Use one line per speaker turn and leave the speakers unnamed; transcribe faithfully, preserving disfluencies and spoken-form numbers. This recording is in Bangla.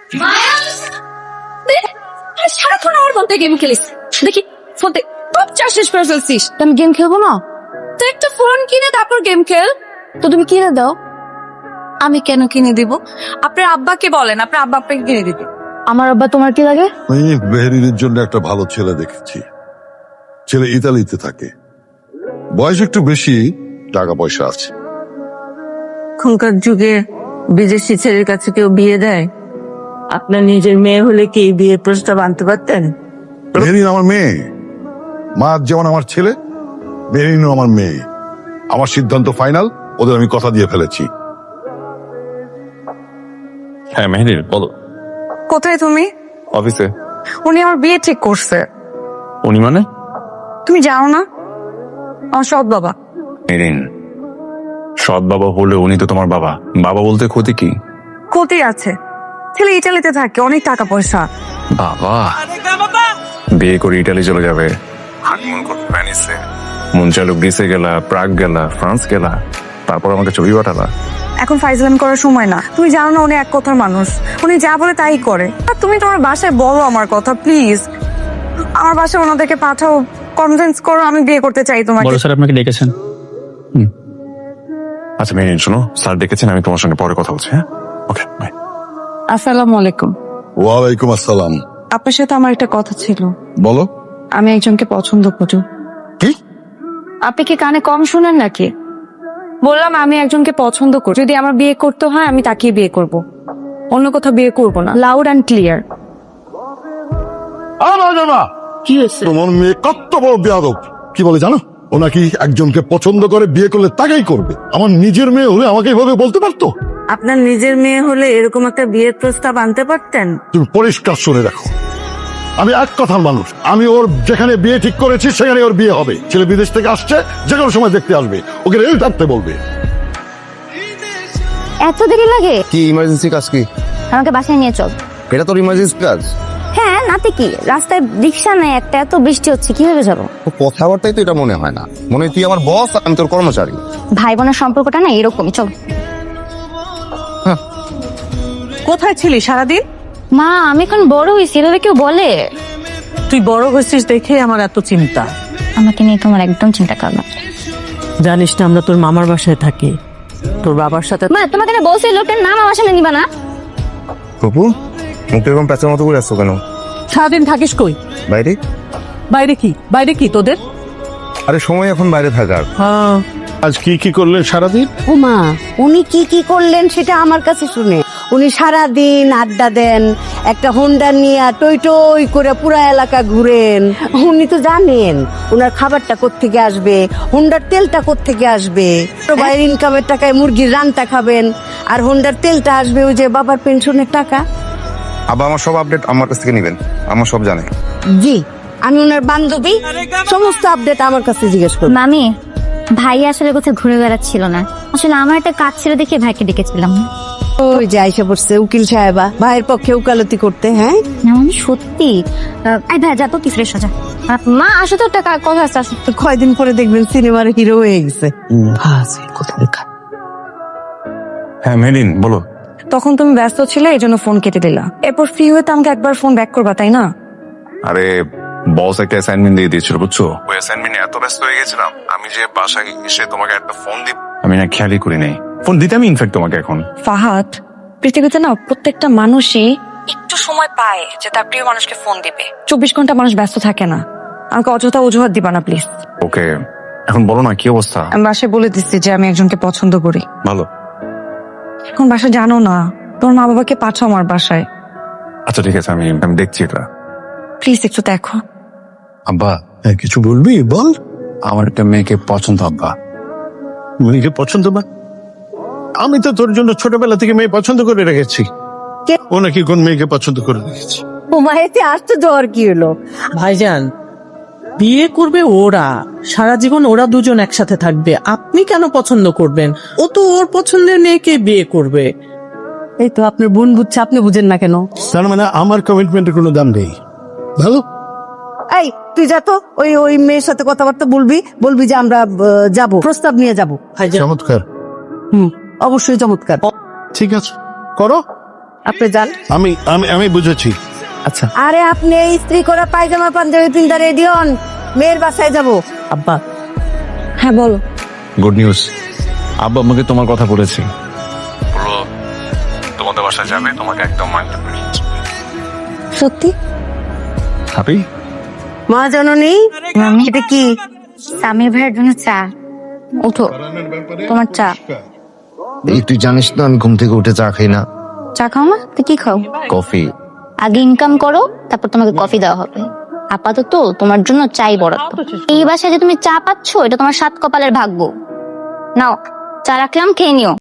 সারাক্ষণ আমার ফোনতে গেম খেলিস, দেখি ফোনতে সব চাষ শেষ করে ফেলছিস। আমি গেম খেলবো না? তো একটা ফোন কিনে তারপর গেম খেল। তো তুমি কিনে দাও। আমি কেন কিনে দিব? আপনার আব্বাকে বলেন, আপনার আব্বা আপনাকে কিনে দিবে। আমার আব্বা তোমার কি লাগে?
আমি মেহেরিনের জন্য একটা ভালো ছেলে দেখেছি। ছেলে ইতালিতে থাকে, বয়স একটু বেশি, টাকা পয়সা আছে।
এখনকার যুগে বিদেশি ছেলের কাছে কেউ বিয়ে দেয়? আপনার নিজের মেয়ে হলে কি বিয়ের প্রস্তাব আনতে পারতেন?
মেহেরিন আমার মেয়ে, মা যেমন আমার ছেলে, মেহেরিনও আমার মেয়ে। আমার সিদ্ধান্ত ফাইনাল, ওদের আমি কথা দিয়ে ফেলেছি।
হ্যাঁ মেহেরিন বলো।
কোথায় তুমি?
অফিসে।
উনি আমার বিয়ে ঠিক করছে।
উনি মানে?
তুমি জানো না, আমার সৎ বাবা।
মেহেরিন, সৎ বাবা হলে উনি তো তোমার বাবা। বাবা বলতে ক্ষতি কি?
ক্ষতি আছে, ছেলে ইটালিতে থাকে, অনেক টাকা পয়সা।
বাবা বিয়ে করে ইটালি চলে যাবে, হানিমুন করতে প্যারিসে, মন চালু গ্রিসে গেলা, প্রাগ গেলা, ফ্রান্স গেলা, তারপর আমাকে ছবি পাঠালা।
এখন ফাইজলামি করার সময় না। তুমি জানো না উনি এক কথার মানুষ, উনি যা বলে তাই করে। আর তুমি তোমার বাসায় বলো আমার কথা প্লিজ, আমার বাসায় ওনাদেরকে পাঠাও, কনভিন্স করো আমি বিয়ে করতে চাই তোমাকে।
বড় স্যার আপনাকে ডেকেছেন।
আচ্ছা মেহেরিন শোনো, স্যার ডেকেছেন, আমি তোমার সঙ্গে পরে কথা বলছি। হ্যাঁ ওকে বাই।
আসসালামু আলাইকুম।
ওয়ালাইকুম আসসালাম।
আপনার সাথে আমার একটা কথা ছিল।
বলো।
আমি একজনকে পছন্দ করি।
কি?
আপনি কি কানে কম শুনেন নাকি? বললাম আমি একজনকে পছন্দ করি, যদি আমার বিয়ে করতে হয় আমি তাকেই বিয়ে করব, অন্য কোথাও বিয়ে করব না। Loud and clear.
কি হয়েছে? তোমার মেয়ে কত বড় বেয়াদব। কি বলে জানো? ও নাকি একজনকে পছন্দ করে, বিয়ে করলে তাকেই করবে। আমার নিজের মেয়ে হলে আমাকে এইভাবে বলতে পারতো?
আপনার নিজের মেয়ে হলে এরকম একটা বিয়ের প্রস্তাব আনতে পারতেন?
তুমি পরিষ্কার শুনে রাখো, আমি এক কথার মানুষ। আমি ওর যেখানে বিয়ে ঠিক করেছি সেখানে ওর বিয়ে হবে। ছেলে বিদেশ থেকে আসছে, যে কোনো সময় দেখতে আসবে, ওকে রেল টানতে বলবে।
এত দেরি লাগে?
কি ইমার্জেন্সি কাজ? কি
আমাকে বাসায় নিয়ে চল।
এটা তোর ইমার্জেন্সি কাজ?
হ্যাঁ, নাতে কি, রাস্তায় রিক্সা নেই একটা, এত বৃষ্টি হচ্ছে, কিভাবে যাবো?
তো কথাবার্তাই তো এটা মনে হয় না। মনে হয় তুই আমার বস, আমি তোর কর্মচারী।
ভাই বোনের সম্পর্কটা না এরকমই, চল।
কোথায় ছিলি সারাদিন?
মা আমি এখন বড় হয়েছি, এভাবে কেউ বলে?
তুই বড় হয়েছিস দেখে আমার এত চিন্তা।
আমাকে নিয়ে তোমার একদম চিন্তা কর না।
জানিস না আমরা তোর মামার বাসায় থাকি, তোর বাবার সাথে।
মা তোমাকে না বলছি লোকটার নাম আমার সামনে নিবা না।
প্রভু, মুখ এরকম প্যাঁচার মতো করে আসছো কেন?
সারাদিন থাকিস কই?
বাইরে।
বাইরে কি? বাইরে কি তোদের?
আরে সময় এখন বাইরে থাকার।
হ্যাঁ,
আজ কি কি করলেন সারাদিন?
ও মা, উনি কি কি করলেন সেটা আমার কাছে শুনে। উনি সারা দিন আড্ডা দেন, একটা হোন্ডা নিয়ে টই টই করে পুরা এলাকা ঘুরেন। উনি তো জানেন ওনার খাবারটা কোত্থেকে আসবে, হোন্ডার তেলটা কোত্থেকে আসবে। বাইরের ইনকামের টাকায় মুরগির রানটা খাবেন, আর হোন্ডার তেলটা আসবে ওই যে বাবার পেনশনের টাকা।
আবার আমার সব আপডেট আমার কাছ থেকে নিবেন, আমার সব জানে।
জি, আমি ওনার বান্ধবী, সমস্ত আপডেট আমার কাছে জিজ্ঞেস করব।
মামি, ভাই আসলে কোথাও ঘুরে বেড়াচ্ছিল না, আসলে আমার একটা কাজ ছিল দেখে ভাইকে ডেকেছিলাম।
ওই যে আইসা পড়ছে উকিল সাহেবা, ভাইয়ের পক্ষে উকালতি করতে। হ্যাঁ
না মানে সত্যি। আই ভাই যা তো, কি ফ্রেশ হয়ে যা। মা আসো তো, একটা কথা আছে, আসো।
কয়দিন পরে দেখবেন সিনেমার হিরো হয়ে গেছে।
হ্যাঁ মেহেরিন বলো।
তখন তুমি ব্যস্ত ছিলে, এই জন্য ফোন কেটে দিলা। এরপর ফ্রি হয়ে তো আমাকে একবার ফোন ব্যাক করবা, তাই না?
আরে বস একটা অ্যাসাইনমেন্ট দিয়ে দিয়েছিল বুঝছো, ওই অ্যাসাইনমেন্টে এত ব্যস্ত হয়ে গেছিলাম আমি যে বাসায় এসে তোমাকে একটা ফোন দিব আমি না খেয়ালই করি নাই। ফোন দিতে আমি ইনফ্যাক্ট তোমাকে এখন।
ফাহাদ, পৃথিবীতে না প্রত্যেকটা মানুষই একটু সময় পায় যে তার প্রিয় মানুষকে ফোন দিবে। চব্বিশ ঘন্টা মানুষ ব্যস্ত থাকে না। আমাকে অযথা অজুহাত দিবা না প্লিজ।
ওকে এখন বলো না কি অবস্থা?
আমি বাসায় বলে দিচ্ছি যে আমি একজনকে পছন্দ করি।
ভালো।
এখন বাসা জানো না, তোর মা বাবাকে পাঠাও আমার বাসায়।
আচ্ছা ঠিক আছে, আমি আমি দেখছি এটা।
প্লিজ একটু দেখো।
আব্বা
কিছু বলবি? বল।
আমার একটা মেয়েকে পছন্দ আব্বা।
মেয়েকে পছন্দ? না, আমি তো তোর জন্য ছোটবেলা থেকে মেয়ে পছন্দ করে রেখেছি। ও নাকি কোন মেয়েকে পছন্দ করে রেখেছি?
ও মায়েতে আসতে জ্বর কি হলো?
ভাইজান বিয়ে করবে ওরা, সারা জীবন ওরা দুজন একসাথে থাকবে, আপনি কেন পছন্দ করবেন? ও তো ওর পছন্দের মেয়েকে বিয়ে করবে।
এই তো আপনার বোন বুঝছে, আপনি বুঝেন না কেন?
তার মানে আমার কমিটমেন্টের কোনো দাম নেই। ভালো,
এই তুই যা তো, ওই ওই মেয়ের সাথে কথাবার্তা বলবি, বলবি যে আমরা যাব, প্রস্তাব নিয়ে যাব।
ভাইজান
চমৎকার।
হুম, অবশ্যই চমৎকার।
ঠিক আছে, করো।
আপনি যান।
আমি আমি আমি বুঝেছি।
আচ্ছা
আরে আপনি এই ইস্ত্রি করা পায়জামা পাঞ্জাবি পিন্দা রেডি হন, মেয়ের বাসায় যাব।
আব্বা,
হ্যাঁ বলো।
গুড নিউজ, আব্বা আমাকে তোমার কথা বলেছি, বললো তোমাদের বাসায় যাবে, তোমাকে একদম মানতে পারি।
সত্যি?
হ্যাপি?
মা জননী,
মামি এটা কি? সামির ভাইয়ের জন্য চা। ওঠো, তোমার চা।
এই তুই জানিস না আমি ঘুম থেকে উঠে চা খাই না,
চা খাও না তো কি খাও?
কফি।
আগে ইনকাম করো, তারপর তোমাকে কফি দেওয়া হবে। আপাতত তোমার জন্য চাই বরাদ্দ। এই বাসায় যে তুমি চা পাচ্ছ, এটা তোমার সাত কপালের ভাগ্য। নাও চা রাখলাম, খেয়ে নিও।